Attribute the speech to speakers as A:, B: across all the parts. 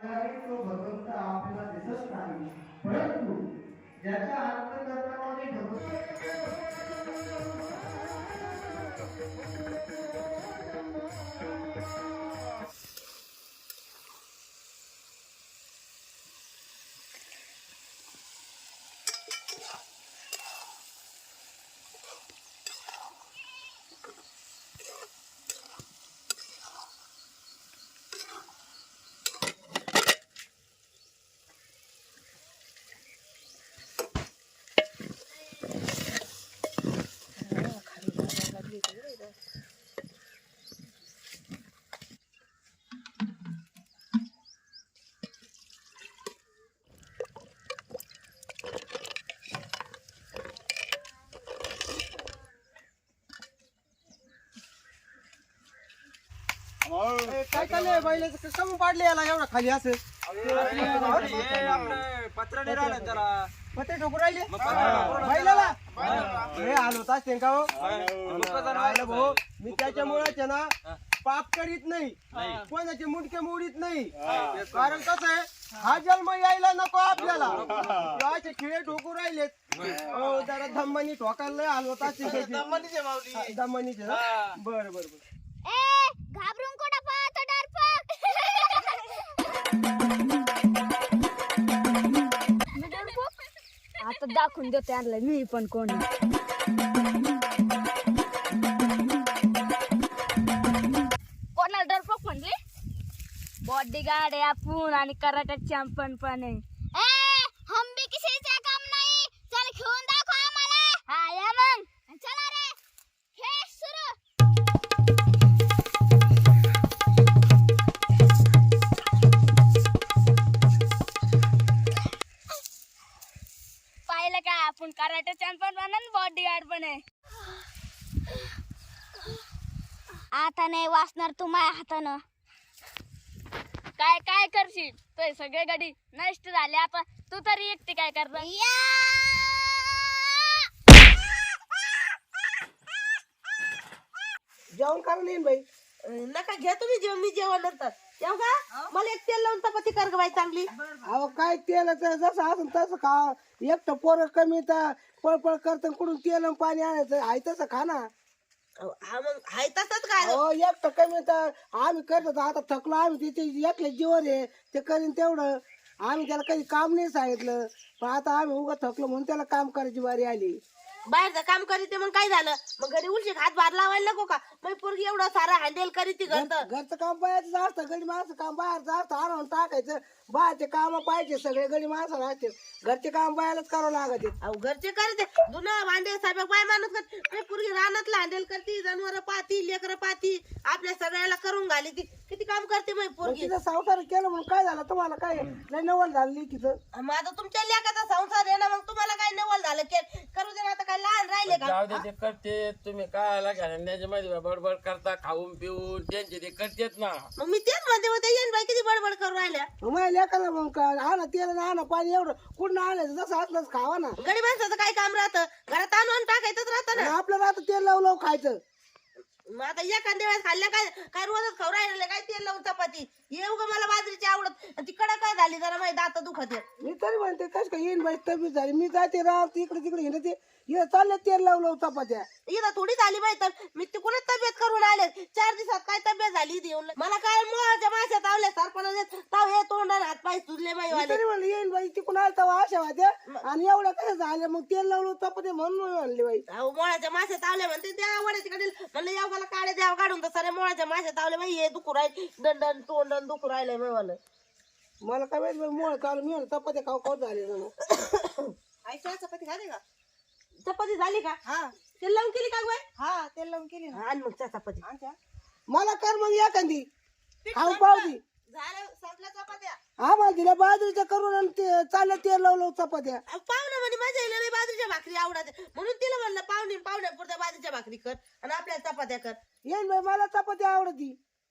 A: तो भगवंत आपल्याला दिसत नाही, परंतु ज्याच्या अंतःकरणामध्ये
B: काय चाललंय बैलाचं कम पाडले याला एवढा खाली असं
C: पत्र नाही राहिलं जरा
B: पत्ते ठोकू राहिले बैलाला हे आलो तास का हो भाऊ मी त्याच्यामुळेच आहे ना पाप करीत नाही कोणाचे मुंडके मोडीत नाही कारण कसं आहे हा जन्म यायला नको आपल्याला असे खिळे ठोकू राहिलेत जरा धम्मानी ठोकायला आलो तास धम्मानीचे बर बर बर
D: घाबरून कोणा पाहतो डरपक आता दाखवून देते आणलं मी पण कोण कोणाला डरपक म्हणले बॉडीगार्ड आहे आपण आणि कराटे चॅम्पियन पण आहे हम भी किसी से कम नहीं चल घेऊन दाखव आम्हाला हा या मग चला रे खेळ सुरू पाहिलं का आपण कराटे चॅम्पियन पण आणि बॉडीगार्ड पण आहे आता नाही वाचणार तू माझ्या हातानं काय काय करशील तो सगळे गाडी नष्ट झाले आता तू तरी एकटी काय करणार
B: जेवण करा नाही बाई
E: नका घ्या तुम्ही जेवण मी जेवण नंतर येऊ का मला एक तेल लावून चपाती कर ग बाई चांगली
B: अहो काय तेल जसं असं तसं खा एकटं पोरं कमी तर पळपळ करत कुठून तेल आणि पाणी आणायचं आहे तसं खा ना
E: हा मग हाय तसंच काय
B: हो एकटं कमी तर आम्ही करतो आता थकलो आम्ही तिथे एकले जीवन आहे ते करीन तेवढं आम्ही त्याला काही काम नाही सांगितलं पण आता आम्ही उगा थकलो म्हणून त्याला काम करायची बारी आली
E: बाहेरचं काम करीत मग काय झालं मग घरी उलशी हात भार लावायला नको का मग पोरगी एवढं सारा हँडल करीत
B: घरचं काम बाहेरचं असतं गडी माणसं काम बाहेरचं असतं आणून टाकायचं बाहेरचे काम पाहिजे सगळे गडी माणसं असते घरचे काम बाहेरच करावं लागते
E: अहो घरचे करते जुनं भांडे साहेब बाय माणूस करते पोरगी रानातलं हँडल करते जनावर पाहती लेकरं पाहती आपल्या सगळ्याला करून घाली ती किती काम करते मग पोरगी
B: तिथं संसार केलं म्हणून काय झालं तुम्हाला काय लय नवल झाली तिथं
E: मग आता तुमच्या लेकाचा संसार आहे ना मग तुम्हाला काय नवल झालं करू दे ना आता काय लहान राहिले का
C: जाऊ दे ते करते तुम्ही काय घालण्याच्या बडबड करता खाऊन पिऊन त्यांचे ते करतेत ना
E: मग मी तेच म्हणते होते येईन बाई किती बडबड करून राहिल्या
B: माझ्या लेकाला मग आणा तेल आणा पाणी एवढं कुठं आणायचं जसं असलंच खावा ना
E: गडी माणसाचं काय काम राहतं घरात आणून टाकायचंच राहतं ना
B: आपल्याला आता तेल लावून खायचं
E: मग आता एखाद्या वेळेस खाल्ल्या काय काय रोजच खाऊ राहिले काय तेल लावून चपाती येऊ का मला बाजरीची आवडत ती कडा काय झाली जरा माझी दात दुखत
B: मी तरी म्हणते कस काय येईन बाई तब्येत झाली मी जाते राहते इकडे तिकडे हिंडते इथं चालले तेल लावलं चपात्या
E: इथं थोडी झाली बाई तर मी तिकडूनच तब्येत करून आले 4 दिवसात काय तब्येत झाली ती येऊन मला काय मोहाच्या माश्या तावल्या सरपणा ताव हे तोंडाने हात पाय सुजले बाई वाले
B: तरी म्हणलं येईन बाई तिकडून आलता आशा होत्या आणि एवढं कसं झालं मग तेल लावलं चपात्या म्हणून म्हणले बाई
E: अहो मोळ्याच्या माश्या तावल्या म्हणते त्या वड्याच्या कडील म्हणलं यावगाला काढे द्याव काढून तर सारे मोळ्याच्या माश्या तावल्या बाई हे दुखू राहील दंडन तोंडन दुखू राहिलंय बाई वालं
B: मला काय माहिती मोळ चालू मी म्हणलं चपात्या खाऊ खाऊ झाले जण
E: आईच्या चपाती खाते का चपाती झाली का
B: हा
E: तेल लावून केली का बाई
B: हा तेल लावून केली ना
E: आणि मग चपाती
B: मला कर मग एखादी खाऊ पावती
E: झालं संपल्या चपात्या
B: हा मला दिल्या बाजरीच्या करून आणि ते चाललं तेल लावलं चपात्या
E: पाहुणे म्हणजे माझ्या इला बाजरीच्या भाकरी आवडते म्हणून तिला म्हणलं पाहुण्यापुरत्या बाजरीच्या भाकरी कर आणि आपल्याला चपात्या कर
B: येईन बाई मला चपाती आवडती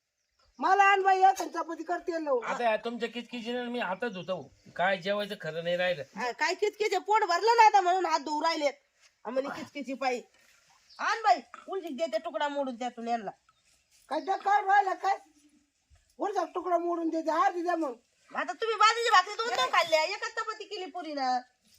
B: मला आण बाई एखादी चपाती कर तेल लावून
C: आता तुमच्या किचकिचीने मी हातच होतो काय जेवायचं खरं नाही राहिलं
E: काय किचकिचे पोट भरलं ना आता म्हणून हात धुवू राहिलेत आम्हाला किचकिची पायी आण बाई उलटी देते तुकडा मोडून त्यातून यांना
B: काय त्या काय राहिला काय वरचा तुकडा मोडून देते अर्धी द्या मग
E: आता तुम्ही बाजूची भाकरी 2 खाल्ल्या, एकच चपाती केली पुरीनं.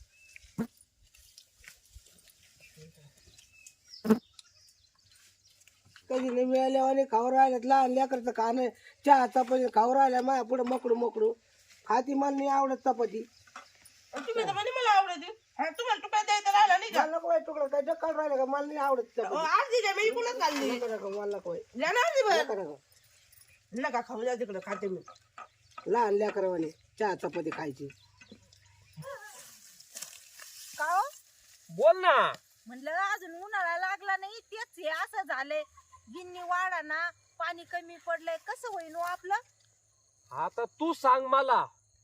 B: कधी नाही मिळाल्या आणि खाऊ राहिल्यात लहान लेकरचं का नाही चहा चपाती खाऊ राहिल्या माझ्या पुढे मकडू मकडू खाती मला नाही आवडत चपाती.
E: तुम्ही तर म्हणे मला आवडते. तुम्हाला तुकडा द्यायचा राहिला नाही का?
B: मला नको तुकडं काय डक्कल राहिलं का मला नाही आवडत चपाती.
E: अर्धी द्या, मी कुणाच खाल्ली.
B: नका नका मला नको
E: द्या ना अर्धी भर.
B: नका नका
E: नका खाऊ द्या, तिकडं खाते मी.
B: लहान लेकरावाने चहा चपाती खायची.
D: का हो?
F: बोल ना.
D: म्हणलं अजून उन्हाळा लागला नाही तेच हे असं झालंय. गिन्नी वाढा ना, पाणी कमी पडलंय, कसं होईन हो आपलं?
F: आता तू सांग मला,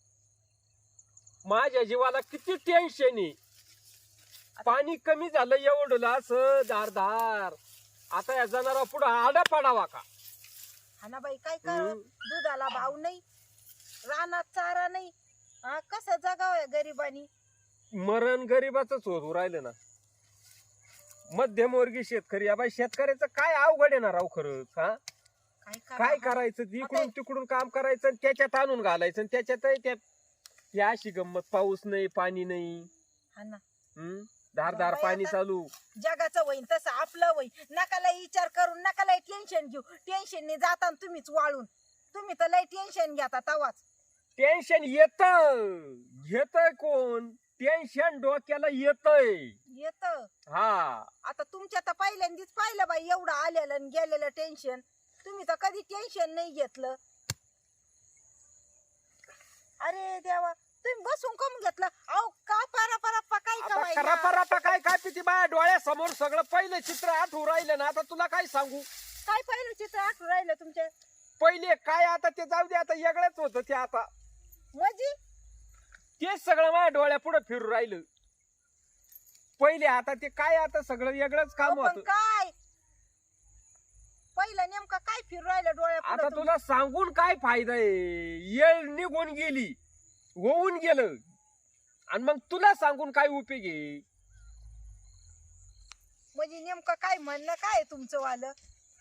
F: माझ्या जीवाला किती टेन्शन आहे. पाणी कमी झालं एवढं असं धार आता या जनावर पुढे आडा पडावा का?
D: हा ना बाई, काय कर, दुधाला भाव नाही, रानात चारा नाही, हा कसं जगावं गरिबानी?
F: मरण गरीबाच होत राहिलं ना. मध्यमवर्गीय शेतकरी या बाई शेतकऱ्याचं काय अवघड येणार राव खरंच. हा काय करायचं, इकडून तिकडून काम करायचं आणि त्याच्यात आणून घालायचं आणि त्याच्यात या अशी गंमत, पाऊस नाही पाणी नाही.
D: हा ना,
F: धार पाणी चालू.
D: जगाचं होईन तसं आपलं होईन. नका लय विचार करून, नका लय टेन्शन घेऊ. टेन्शनने जाता तुम्हीच वाळून. तुम्ही तर लय टेन्शन घ्या तवाच.
F: टेन्शन घेतय कोण? टेन्शन डोक्याला येतय. हा
D: आता तुमच्या तर पहिल्यांदाच पाहिलं बाई एवढं आलेलं आणि गेलेलं टेन्शन. तुम्ही तर कधी टेन्शन नाही घेतलं. अरे देवा, तुम्ही बसून कम घेतलं? अहो का परा काय
F: करापा काय पिती बाया डोळ्यासमोर सगळं पहिलं चित्र आठवू राहिलं ना. आता तुला काय सांगू,
D: काय पहिलं चित्र आठवून राहिलं तुमच्या?
F: पहिले काय आता ते जाऊ दे, आता वेगळंच होतं ते. आता
D: म्हणजे
F: तेच सगळं माझ्या डोळ्या पुढे फिरू राहिलं पहिले. आता ते काय, आता सगळं वेगळंच काम
D: पण
F: होतं.
D: काय पहिलं नेमकं काय फिरू राहिलं
F: आता
D: डोळ्या?
F: तुला सांगून काय फायदा आहे? येळ निघून गेली, होऊन गेलं, आणि मग तुला सांगून काय उपयोग आहे?
D: म्हणजे नेमकं काय म्हणणं काय तुमचं वालं?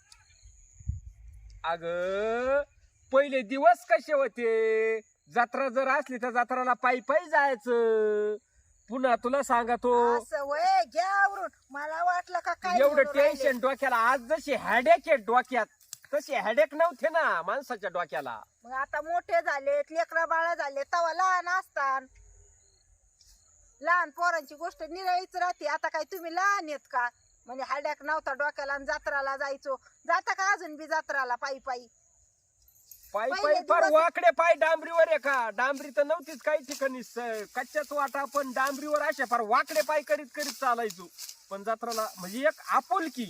F: अग पहिले दिवस कसे होते? जत्रा जर असली तर जत्राला पायी जायचं. पुन्हा तुला सांगतो,
D: असं वय घ्यावरून मला वाटलं का काय
F: एवढं
D: बोलू राहिले.
F: टेन्शन डोक्याला. आज जशी हेडेक आहे डोक्यात, तसे हेडेक नव्हते ना माणसाच्या डोक्याला.
D: मग आता मोठे झालेत, लेकरा बाळा झाले, तवा लहान असतात. लहान पोरांची गोष्ट निराळीच राहते. आता काय तुम्ही लहान आहेत का? म्हणजे हाड्याक नव्हता डोक्याला आणि जत्राला जायचो. जाता का अजून बी जत्राला पायी?
F: पायी
D: पहिले
F: फार
D: दिवस-
F: वाकडे पाय डांबरीवर आहे का? डांबरी तर नव्हतीच काही ठिकाणी, कच्च्याच वाटा, पण डांबरीवर अशा फार वाकडे पाय करीत चालायचो. पण जत्राला म्हणजे एक आपुलकी.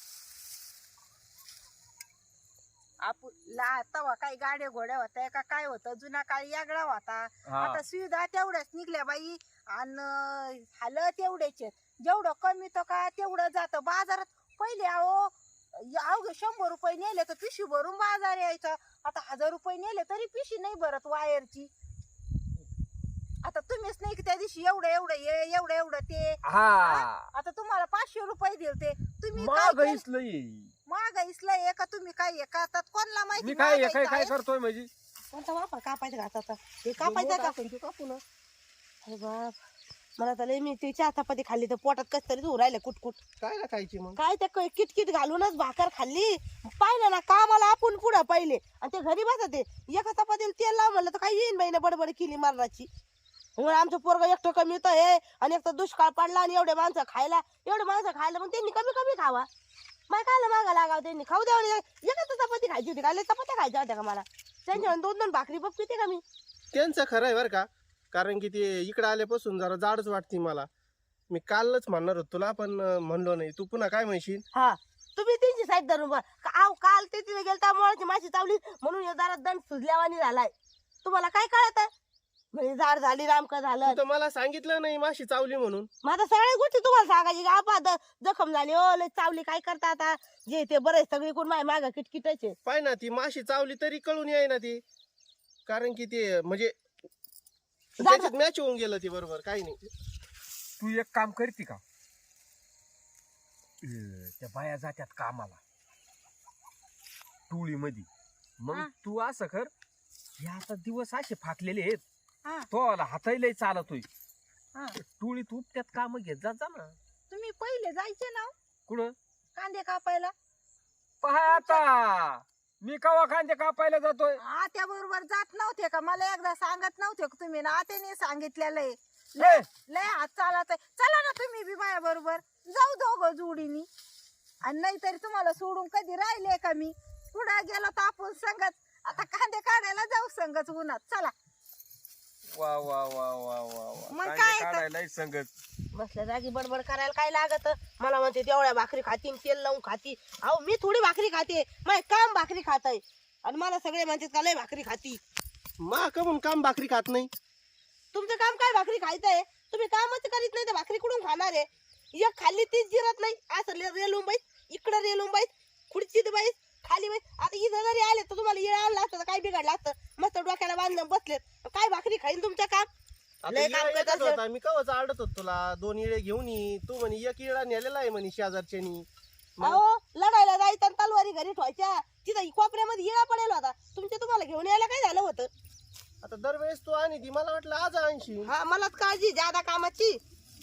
D: तवा काही गाड्या घोड्या होत्या का काय होतं? जुना काळ यागळा होता.
F: हा.
D: आता सुविधा तेवढ्याच निघल्या बाई, आणि हाल तेवढेच. जेवढं कमी तर का तेवढं जातं बाजारात. पहिले अवघे 100 रुपये नेले तर पिशवी भरून बाजार यायचा. आता 1000 रुपये नेले तरी पिशवी नाही भरत वायरची. आता तुम्हीच नाही की त्या दिवशी एवढं ते.
F: हा
D: आता तुम्हाला 500 रुपये दिलते. तुम्ही
F: महागाईच लई.
D: महागाईसला का तुम्ही काय हे करतात कोणाला माहिती?
F: मी काय
D: महागाई
F: काय करतोय म्हणजे?
E: कोणता वापर कापायचा का आता? हे कापायचा का? कापून. अरे बाप, मला तर लय, मी ती चहा चपाती खाल्ली तर पोटात कस तरी होऊ राहिलं कुटकुट.
B: काय ना खायची मग?
E: काय त्या किटकिट घालूनच भाकर खाल्ली. पाहिलं ना कामाला आपण पुढं पहिले, आणि ते घरी बसते. एका चपातीला तेल लाव म्हणलं तर काय येईन बाईने बडबड केली मारणाची. म्हणून आमचं पोरग एकटं कमी तर हे, आणि एक तर दुष्काळ पडला आणि एवढे माणसं खायला मग त्यांनी कमी खावा. माय खायला मागा लागाव, त्यांनी खाऊ द्यावं. एकच चपाती खायची होती का? चपात्या खायच्या होत्या का मला? त्यांच्या 2-2 भाकरी बघ पिते का मी?
B: त्यांचं खरं आहे बरं का, कारण की ते इकडे आल्यापासून जरा जाडच वाटते मला. मी कालच म्हणणार होतो तुला, पण म्हणलो नाही. तू पुन्हा काय म्हणशील?
E: हा, तुम्ही त्यांची साईड धरून बघ. काल ते तिथे गेलता मुळाची माशी चावली म्हणून या दारात दंड सुजल्यावानी झालाय. तुम्हाला काय कळत? म्हणजे झाड झाली, रामक झालं.
B: तू तर मला सांगितलं नाही माशी चावली म्हणून.
E: माझ्या सगळ्या गोष्टी तुम्हाला सांगायची का? आपा जखम झाली, ओ लय चावली, काय करता आता? जे ते बरेच सगळी कोण माय माग किटकिटायचे.
B: पाय ना, ती माशी चावली तरी कळून याय ना ती, कारण की ते म्हणजे त्याच्यात मॅच होऊन गेलं ती बरोबर. काही नाही.
F: तू एक काम करते का? त्या बाया जात्यात कामाला टोळी मध्ये, मग तू असं कर, हे आता दिवस असे फाकलेले आहेत
E: हा.
F: तो हाताही लय चालतोय
E: हा.
F: टोळीत उपट्यात काम घेत जा ना.
E: तुम्ही पहिले जायचे ना
F: कुठं
E: कांदे कापायला
F: पहा आता मी कवा कांदे कापायला जातोय.
E: आत्या बरोबर जात नव्हते का मला एकदा सांगत नव्हते का तुम्ही ना आत्याने सांगितलेलं आहे
F: ए,
E: लय हात चालत चला ना तुम्ही बी माझ्या बरोबर जाऊ दोघं जोडीनी आणि नाहीतरी तुम्हाला सोडून कधी राहिले का मी पुढे गेलो तर आपण संगत आता कांदे काढायला जाऊ संगत उन्हात चला
F: वा वा वा वा वा वा
E: मग
F: कांदे
E: काय तर?
F: काढायलाही संगत.
E: बसल्या जागी बडबड करायला काय लागत मला म्हणते तेवढ्या भाकरी खाती तेल लावून खाती अहो मी थोडी भाकरी खाते माझे काम भाकरी खात आहे आणि मला सगळे म्हणतात का लय भाकरी खाती
B: मा का म्हणून काम भाकरी खात नाही.
E: तुमचं काम काय भाकरी खायचंय तुम्ही कामच करीत नाही तर भाकरी कुठून खाणार आहे एक खाल्ली तीच जिरत नाही असं रेलून बाईत इकडं रेलून बाईत खुर्चीत बाईत खाली बाईत आता इथं जरी आले तर तुम्हाला येळ आणलं असतं तर काय बिघडलं असतं मस्त डोक्याला बांधून बसलेत काय भाकरी खाईन तुमचं काम
B: आता
E: लय काम
B: इळा
E: करत
B: येतच
E: असेल.
B: होता मी कवच आडत होतो तुला 2 इळे घेऊन ये तू म्हणे 1 इळा नेलेला आहे म्हणे शेजारच्यानी.
E: अहो लढायला जायचं आणि तलवारी घरी ठेवायच्या तिथं कोपऱ्यामध्ये येळा पडेल होता तुमच्या तुम्हाला घेऊन यायला काय झालं होतं
B: आता दरवेळेस तू आणि ती मला वाटलं आज आणशी.
E: हा मलाच काळजी ज्यादा कामाची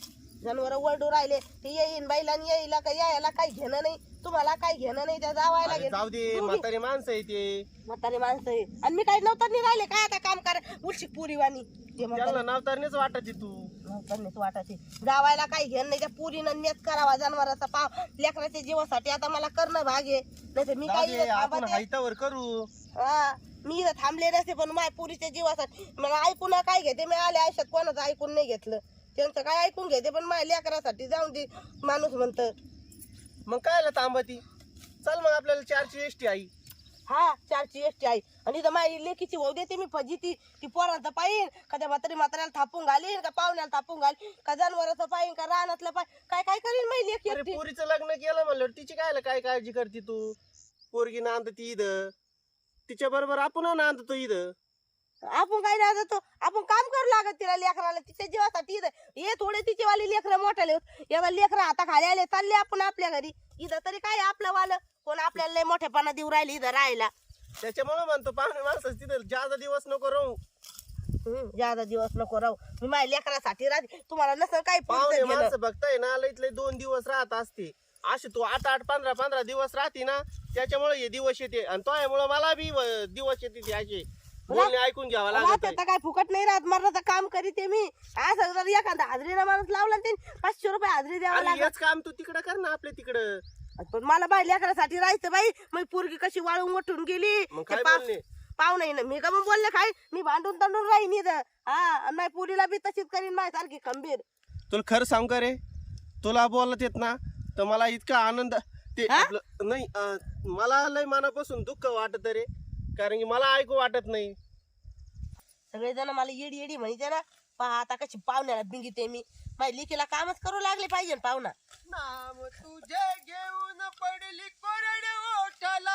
E: जनावर वरडू राहिले ते येईन बाईला आणि येईला का यायला काही घेणं नाही तुम्हाला काही घेणं नाही त्या जावायला
B: अरे जाऊ दे म्हातारे माणसं आहे ते
E: म्हातारे माणसं आहे आणि मी काही नव्हतं नाही राहिले काय आता काम करा उलशी पुरीवाणी ते
B: त्यांना नावतारणीच वाटायची तू.
E: नव्हतं वाटायचे जावायला काही घेणं नाही त्या पुरीनं नेत करावा जनावराचा पाव लेकराच्या जीवासाठी आता मला करणं भाग आहे नाही तर मी
B: जाऊ
E: काही
B: दे, आपण
E: थांबते.
B: हायतावर करू.
E: हा मी इथं थांबले नसते पण माझ्या पुरीच्या जीवासाठी मला ऐकून काय घेते मी आले आयुष्यात कोणाचं ऐकून नाही घेतलं त्यांचं काय ऐकून घेते पण माझ्या लेकरासाठी जाऊन दे माणूस म्हणत
B: मग कायला तांबती चल मग आपल्याला 4ची एसटी आई.
E: हा 4ची एसटी आहे आणि इथं माझी लेकीची होऊ देते मी फजिती ती पोरांचं पाहिन का त्या म्हाताऱ्याला थापून घालीन का पाहुण्याला थापून घालीन का जनावराचं पाहिन का रानातलं पाहिन काय काय करीन माझी लेकी
B: अरे
E: एकटी.
B: पोरीचं लग्न केलं म्हणलं तिची कायला काय काळजी करते तू. पोरगी नांदती इथं तिच्या बरोबर आपण नांदतो इथं.
E: आपण काय नाही जातो आपण काम करू लागत तिला लेकराला तिच्या जीवासाठी इथं हे थोडे तिचे वाले लेकरं मोठाले एवढा लेकरं आता खाली आले चालले आपण आपल्या घरी इथं तरी काय आपलं वालं कोण आपल्याला लय मोठेपणा देऊ राहिले इथं राहायला
B: त्याच्यामुळे म्हणतो पाहुणे माणसं तिथं जास्त दिवस नको राहू.
E: ज्यादा दिवस नको राहू मी माझ्या लेकरासाठी राहते तुम्हाला नसेल काही
B: पाहुणे
E: पुढचं
B: माणसं बघताय ना लईत लई 2 दिवस राहत असते असे तू 8 15 दिवस राहते ना त्याच्यामुळे हे दिवस येते आणि त्यामुळे मला बी दिवस येते ते असे बोलणे ऐकून घ्यावा लागत
E: आता काय फुकट नाही राहत मरणाचं काम करीते मी असं जर एखादा हाजरीला माणूस लावला ना त्यांनी 500 रुपये हाजरी द्यावा
B: अरे
E: लागत
B: हेच काम तू तिकडं कर ना आपल्या तिकडं.
E: पण मला बाई लेकरासाठी राहायचं बाई मग पोरगी कशी वाळून उठून गेली
B: मग
E: ते
B: काय
E: पा-
B: बोलणे
E: पाहुणे ना मी का मग बोलले काय मी भांडून तांडून राहीन इथं हा आणि माझ्या पुरीला बी तशीच करीन माझ्या सारखी खंबीर
B: तुला खरं सांग का रे तुला बोलत येत ना तर मला इतका आनंद ते
E: हा?
B: आपलं नाही मला लय मनापासून दुःख वाटत रे कारण की मला ऐकू वाटत नाही.
E: सगळेजण मला येडी येडी म्हणते ना पहा आता कशी पाहुण्याला बिंगीते मी माझ्या लेकीला कामच करू लागले पाहिजे ना पाहुणा
B: नाम तुझे घेऊन पडली कोरड ओठाला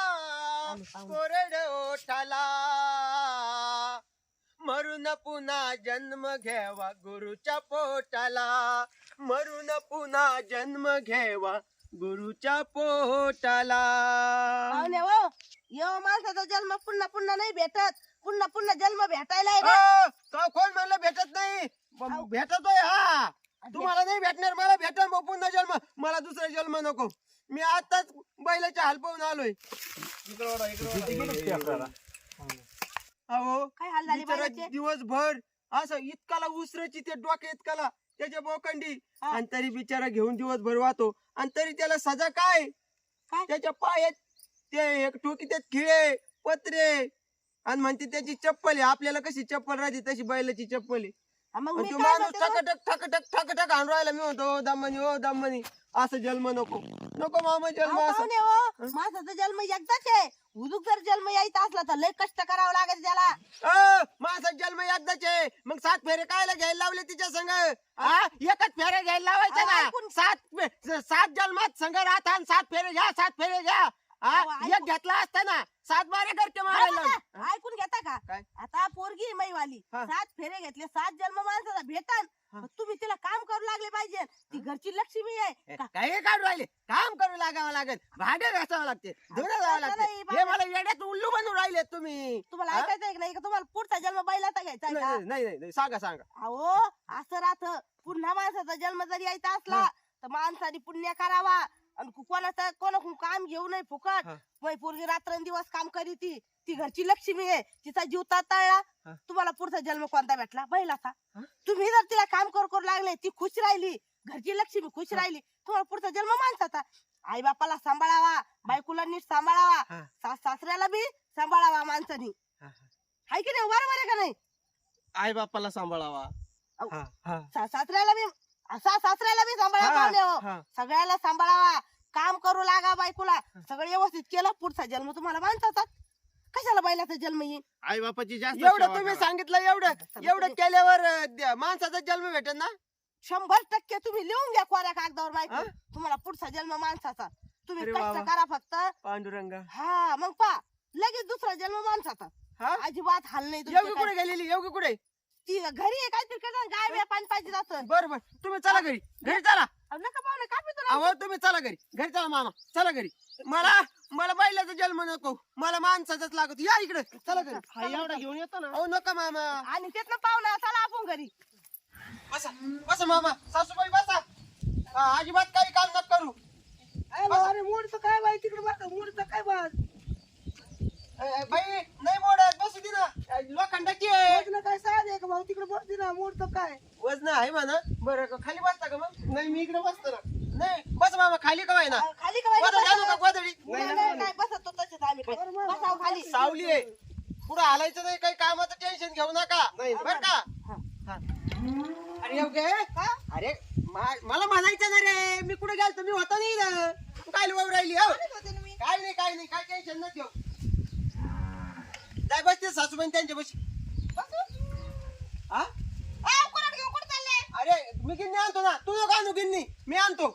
B: कोरड ओठाला मरून पुन्हा जन्म घ्यावा गुरुच्या पोटाला मरून पुन्हा जन्म घ्यावा गुरुच्या पोटाला.
E: पाहुणे हो यो माणसाचा जन्म पुन्हा पुन्हा नाही भेटत पुन्हा पुन्हा जन्म भेटायला आहे ना.
B: का कोण म्हणलं भेटत नाही भेटतोय हा तुम्हाला नाही भेटणार मला भेटल मग पुन्हा जन्म मला दुसरा जन्म नको मी आताच बैलाच्या हाल पाहून आलोय. अहो
E: काय हाल झाले
B: बिचारा
E: बैलाचे?
B: दिवसभर असं इतकाला उसरायची ते डोक्या इतकाला त्याच्या बोकंडी
E: हा.
B: आणि तरी बिचारा घेऊन दिवसभर वाहतो आणि तरी त्याला सजा काय
E: काय?
B: त्याच्या पायात ते एक टोकी त्यात खिळे पत्रे आणि म्हणते त्याची चप्पल आहे आपल्याला कशी चप्पल राहते तशी बैलाची चप्पल आहे
E: हा, मग
B: आणि
E: मी
B: तो
E: काय
B: माणूस
E: म्हणते
B: ठकटक आणून राहिला मी म्हणतो ओ दमनी असं जन्म नको नको मामा जन्म
E: अहो,
B: असं
E: पाहुणे हो माणसाचा जन्म एकदाच आहे उदूक जर जन्म यायचा असला तर लय कष्ट करावं लागेल त्याला
B: माझा जन्म एकदाच आहे मग 7 फेरे कायला घ्यायला लावले तिच्या संग हा एकच फेरे घ्यायला लावायचं
E: अहो,
B: ना
E: ऐकून-
B: 7 जन्मात संघ राहता 7 फेरे घ्या 7 फेरे घ्या हा
E: अहो,
B: एक घेतला असताना 7 बारे करते मारायला लावली.
E: ऐकून घेता का
B: काय?
E: आता पोरगी आहे मैवाली
B: हा.
E: 7 फेरे घेतले 7 जन्म माणसाचा भेटन
B: हा.
E: मग तुम्ही तिला काम करू लागले पाहिजे ती घरची लक्ष्मी आहे का?
B: काही काढू राहिले काम करू लागावं लागेल भांडे घासावं लागते धुणं जावं
E: नाही,
B: लागते हे मला येड्यात उल्लू बनवून राहिले तुम्ही
E: तुम्हाला
B: हा?
E: ऐकायचंय की नाही का तुम्हाला पुढचा जन्म बैलाचा घ्यायचा आहे
B: नाही
E: का?
B: नाही, नाही नाही, सांगा सांगा
E: अहो असं राहत पुन्हा माणसाचा जन्म जरी यायचा असला तर माणसाने पुण्य करावा आणि कोणाकडून काम घेऊ नये फुकट
B: हा.
E: मग पोरगी रात्रंदिवस काम करी ती घरची लक्ष्मी आहे तिचा जीव ताळला
B: हा.
E: तुम्हाला पुढचा जन्म कोणता भेटला बैलाचा
B: हा?
E: तुम्ही जर तिला काम करू लागले ती खुश राहिली घरची लक्ष्मी खुश राहिली तुम्हाला पुढचा जन्म माणसाचा आई बापाला सांभाळावा बायकोला नीट सांभाळावा
B: हा.
E: सासऱ्याला बी सांभाळावा माणसानी
B: हा,
E: हाय की नाही बरोबर आहे का नाही
B: आई बापाला सांभाळावा
E: अहो,
B: हा, हा.
E: सासऱ्याला बी सासऱ्याला बी सांभाळा
B: हा,
E: पाहुणे हो.
B: हा.
E: सगळ्याला सांभाळावा काम करू लागा बायकोला सगळं व्यवस्थित केलं पुढचा जन्म तुम्हाला माणसाचा कशाला बैलाचा जन्म येईल
B: आई बापाची जास्त एवढं तुम्ही सांगितलं एवढं केल्यावर माणसाचा जन्म भेटेल ना
E: 100% तुम्ही लिहून घ्या कोऱ्या कागदावर
B: हा?
E: बायको तुम्हाला पुढचा जन्म माणसाचा तुम्ही
B: अरे
E: कष्ट
B: वा वा.
E: करा फक्त
B: पांडुरंगा
E: हा मग पा लगेच दुसरा जन्म माणसाचा
B: हा
E: अजिबात हाल नाही
B: योगी
E: तुमचे
B: कुठे गेलेली योगी कुठे
E: काय. ती घरी आहे काहीतरी करणार गाय बे पाणी पाहिजे असं
B: बर बर तुम्ही चला घरी चला
E: अहो, नका पाहुणे का पितो ना?
B: अहो तुम्ही चला घरी चला मामा चला घरी मला बैलाचा जन्म नको मला माणसाचाच लागत या इकडे चला घरी
E: एवढा
B: घेऊन येतो ना अहो नका मामा
E: आणि त्यातलं पाहुणा चला आपण घरी
B: बसा बसा मामा सासूबाई बसा अजिबात काही काम नका करू
E: अरे मूडचं काय बाई तिकडे बघा मूडचं काय बघ
B: बाई नाही मोडत बसू दे ना लोखंडाची आहे
E: काय साध आहे का भाऊ तिकडे बसते ना मूडचं काय
B: वजन आहे म्हणा बरं खाली बसता का मग नाही मी इकडे बसतो ना नाही बस मामा खाली का ना
E: खाली का बाई?
B: गोधडी आणू का गोधडी
E: काय बसत तो तसेच आम्ही काय. बसाव खाली
B: सावली आहे पुढे हालायचं नाही काही कामाचं टेन्शन घेऊ नका बर का हा. अरे येऊ गे अरे मला म्हणायचं ना रे मी कुठे गेलो मी होतो नाही ना तू काय वाव राहिली हो काय नाही काय टेन्शन न घेऊ जाय बसते सासूबाई त्यांच्या बशी हा अरे मी गिन्नी आणतो ना तू नको आणू गिन्नी मी आणतो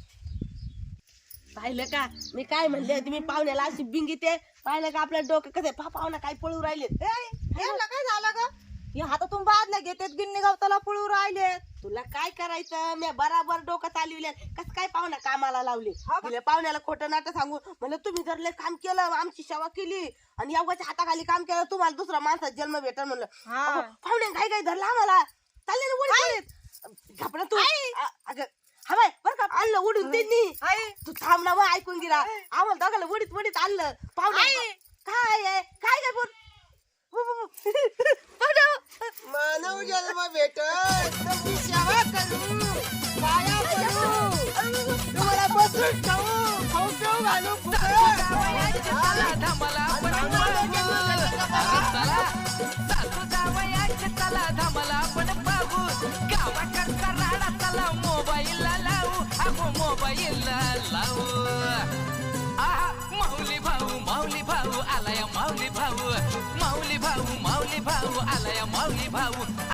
E: पाहिलं का मी काय म्हणले होते मी पाहुण्याला अशी बिंगीते पाहिलं का आपल्या डोकं कसं पाहुणा काय पळू राहिले काय झालं का हे हातातून बादल्या घेतात गिन्नी गावताला पळू राहिले तुला काय करायचं मी बराबर डोकं चालविले कस काय पाहुणा कामाला लावले तिला पाहुण्याला खोटं नाटक सांगू म्हणलं तुम्ही जर लय काम केलं आमची सेवा केली आणि एवढ्याच्या हाताखाली काम केलं तुम्हाला दुसरा माणसाचा जन्म भेटल म्हणलं पाहुणे काय काय धरला आम्हाला चालले ना उडीत घापडा तू अगं हा बाय बरं का आणलं उडून त्यांनी तू थांब ना मग ऐकून गेला आम्हाला दोघांना उडीत आणलं पाहुणे काय काय बोल
B: मानव जन्म भेटत तुमची सेवा करू माया करू तुम्हाला बसून खाऊ पिऊ घालू
G: माऊली भाऊ आलाय माऊली भाऊ